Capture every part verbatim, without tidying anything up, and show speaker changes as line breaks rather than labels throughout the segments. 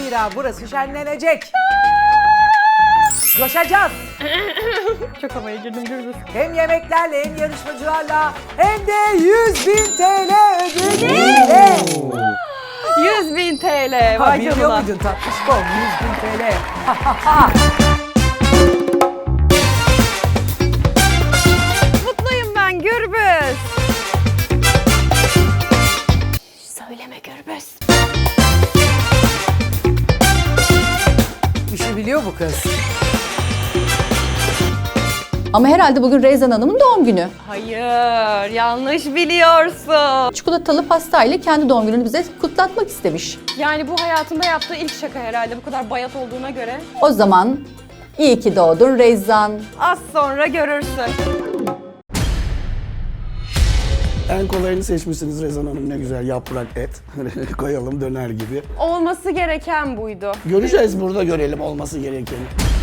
Zira burası şenlenecek. Coşacağız.
Çok havaya girdim Gürbüz.
Hem yemeklerle hem yarışmacılarla hem de yüz bin T L ödülüyle.
yüz bin T L.
Ha,
Vay
biliyor
canına.
muydun tatlışkom? yüz bin T L.
Mutluyum ben Gürbüz. Söyleme Gürbüz.
İşi biliyor bu kız.
Ama herhalde bugün Reyzan Hanım'ın doğum günü.
Hayır, yanlış biliyorsun.
Çikolatalı pastayla kendi doğum gününü bize kutlatmak istemiş.
Yani bu hayatında yaptığı ilk şaka herhalde bu kadar bayat olduğuna göre.
O zaman iyi ki doğdun Reyzan.
Az sonra görürsün.
En kolayını seçmişsiniz Rezan Hanım, ne güzel yaprak et. Koyalım döner gibi.
Olması gereken buydu.
Göreceğiz, burada görelim olması gerekeni.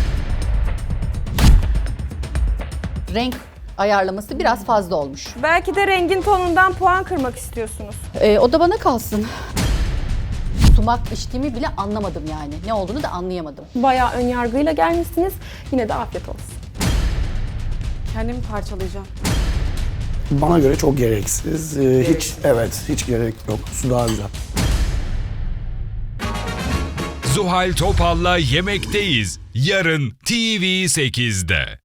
Renk ayarlaması biraz fazla olmuş.
Belki de rengin tonundan puan kırmak istiyorsunuz.
Ee, o da bana kalsın. Sumak içtiğimi bile anlamadım yani. Ne olduğunu da anlayamadım.
Bayağı ön yargıyla gelmişsiniz. Yine de afiyet olsun.
Kendimi parçalayacağım.
Bana göre çok gereksiz. Ee, hiç evet, hiç gerek yok. Su daha güzel.
Zuhal Topal'la Yemekteyiz. Yarın T V sekizde.